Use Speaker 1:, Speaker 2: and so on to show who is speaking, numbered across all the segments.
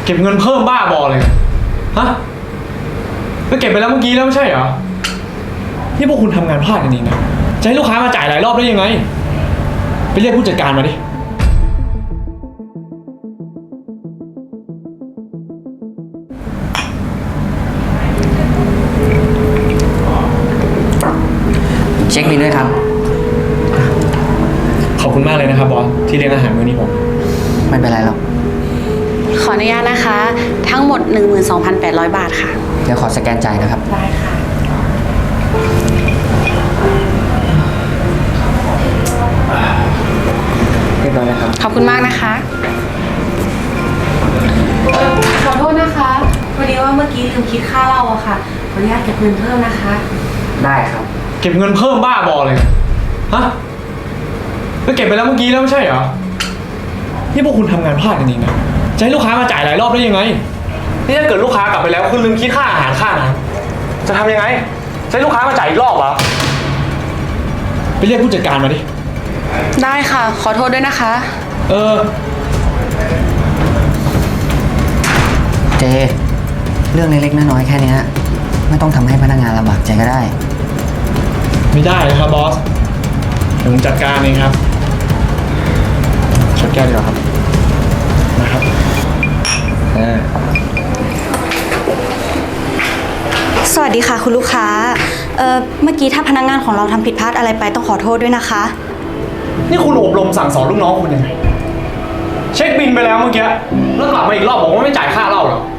Speaker 1: เก็บเงินเพิ่มบ้าบอเลยฮะก็เก็บไปแล้วเมื่อกี้แล้วไม่ใช่เหรอนี่พวกคุณทำงานพลาดกันเองนะจะให้ลูกค้ามาจ่ายหลายรอบได้ยังไงไปเรียกผู้จัดการมาดิ
Speaker 2: เช็คบิลด้วยครับ
Speaker 1: ขอบคุณมากเลยนะครับบอสที่เลี้ยงอาหารมื้อนี้ผม
Speaker 2: ไม่เป็นไรหรอก
Speaker 3: ขออนุญาตนะคะ ทั้งหมด 12,800 บาทค่ะ
Speaker 2: เดี๋ยวขอสแกนจ่ายนะครับ
Speaker 3: ได้ค่ะ
Speaker 2: เรียบร้อยแล้วครับ
Speaker 3: ขอบคุณมากนะคะขอโทษนะคะพอดีว่าเมื่อกี้ลืมคิดค่าเหล้าอะค่ะขออนุญาตเก็บเงินเพิ่มนะคะ
Speaker 2: ได้ครับ
Speaker 1: เก็บเงินเพิ่มบ้าบอเลยฮะก็เก็บไปแล้วเมื่อกี้แล้วไม่ใช่เหรอนี่พวกคุณทำงานพลาดกันเองนะจะให้ลูกค้ามาจ่ายหลายรอบได้ยังไงนี่ถ้าเกิดลูกค้ากลับไปแล้วคุณลืมคิดค่าอาหารค่าน้ำจะทำยังไงจะให้ลูกค้ามาจ่ายอีกรอบเหรอไปเรียกผู้จัดการมาดิ
Speaker 3: ได้ค่ะขอโทษด้วยนะคะ
Speaker 2: เจเรื่องเล็กๆน้อยๆแค่นี้ไม่ต้องทำให้พนักงานลำบากใจก็ได้
Speaker 1: ไม่ได้นะครับบอสผมจัดการเองครับชดแก้วดีกว่าครับนะครับ
Speaker 4: สวัสดีค่ะคุณลูกค้าเมื่อกี้ถ้าพนักงานของเราทำผิดพลาดอะไรไปต้องขอโทษด้วยนะคะ
Speaker 1: นี่คุณอบรมสั่งสอนลูกน้องคุณยังไงเช็คบินไปแล้วเมื่อกี้แล้วกลับมาอีกรอบบอกว่าไม่จ่ายค่าเหล้าหรอ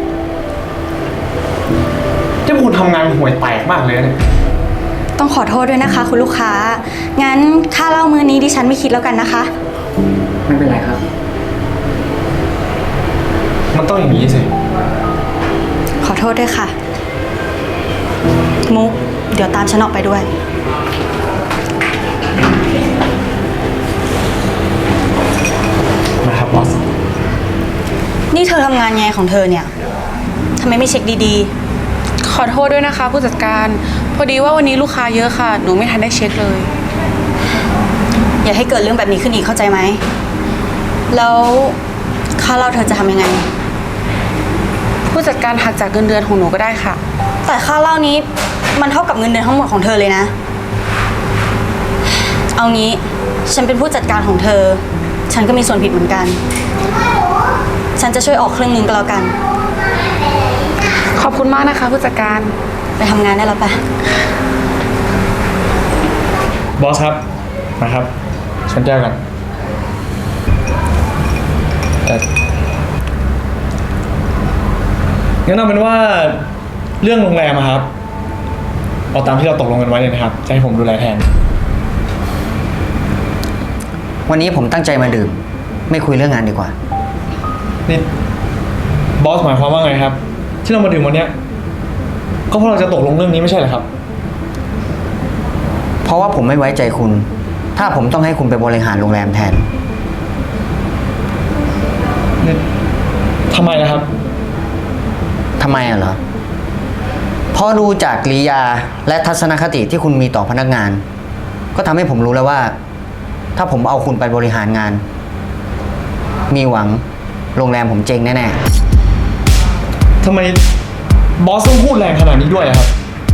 Speaker 1: ที่คุณทำงานห่วยแตกมากเลยเนี่ย
Speaker 4: ต้องขอโทษด้วยนะคะคุณลูกค้างั้นค่าเหล้ามื้อนี้ดิฉันไม่คิดแล้วกันนะคะ
Speaker 2: ไม่เป็นไรครับ
Speaker 1: มันต้องอย่างนี้สิ
Speaker 4: ขอโทษด้วยค่ะมุกเดี๋ยวตามฉันออกไปด้วย
Speaker 1: นะครับบอส
Speaker 4: นี่เธอทำงานไงของเธอเนี่ยทำไมไม่เช็คดี
Speaker 3: ขอโทษด้วยนะคะผู้จัดการพอดีว่าวันนี้ลูกค้าเยอะค่ะหนูไม่ทันได้เช็คเลย
Speaker 4: ๆอย่าให้เกิดเรื่องแบบนี้ขึ้นอีกเข้าใจไหมแล้วค่าเหล้าเธอจะทำยังไง
Speaker 3: ผู้จัดการหักจากเงินเดือนของหนูก็ได้ค่ะ
Speaker 4: แต่ค่าเหล้านี้มันเท่ากับเงินเดือนทั้งหมดของเธอเลยนะเอางี้ฉันเป็นผู้จัดการของเธอฉันก็มีส่วนผิดเหมือนกันฉันจะช่วยออกครึ่งนึงก็แล้วกัน
Speaker 3: ขอบคุณมากนะคะผู้จัดการ
Speaker 4: ไปทำงานได้แล้วปะ
Speaker 1: บอสครับนะครับชนแก้วกันงั้นเอาเป็นว่าเรื่องโรงแรมครับเอาตามที่เราตกลงกันไว้เลยนะครับจะให้ผมดูแลแทน
Speaker 2: วันนี้ผมตั้งใจมาดื่มไม่คุยเรื่องงานดีกว่า
Speaker 1: นี่บอสหมายความว่าไงครับที่เรามาดื่มวันนี้ก็เพราะเราจะตกลงเรื่องนี้ไม่ใช่เหรอครับ
Speaker 2: เพราะว่าผมไม่ไว้ใจคุณถ้าผมต้องให้คุณไปบริหารโรงแรมแทน
Speaker 1: นี่ทำไมนะครับ
Speaker 2: ทำไมเหรอเพราะดูจากกิริยาและทัศนคติที่คุณมีต่อพนักงานก็ทำให้ผมรู้แล้วว่าถ้าผมเอาคุณไปบริหารงานมีหวังโรงแรมผมเจ๊งแน่
Speaker 1: ๆทำไมบอสต้องพูดแรงขนาดนี้ด้วยครับ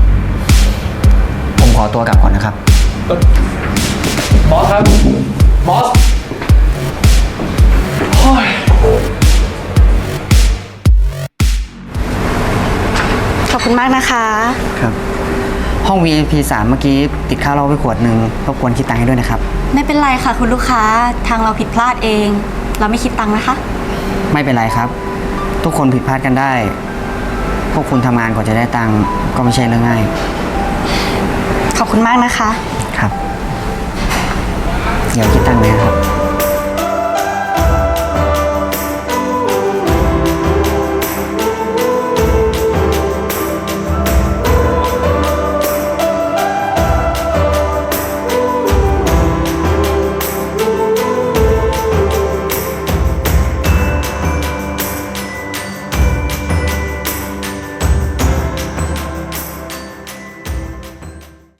Speaker 2: ผมขอตัวกลับก่อนนะครับ
Speaker 1: บอสครับบอส
Speaker 4: ขอบคุณมากนะคะ
Speaker 2: ครับห้อง VIP 3เมื่อกี้ติดข้าวเหล้าไปขวดนึงรบกวนคิดตังค์ให้ด้วยนะครับ
Speaker 4: ไม่เป็นไรค่ะคุณลูกค้าทางเราผิดพลาดเองเราไม่คิดตังค์นะคะ
Speaker 2: ไม่เป็นไรครับทุกคนผิดพลาดกันได้พวกคุณทำงานกว่าจะได้ตังค์ก็ไม่ใช่เรื่องง่าย
Speaker 4: ขอบคุณมากนะคะ
Speaker 2: ครับเดี๋ยวคิดตังค์เลยครับ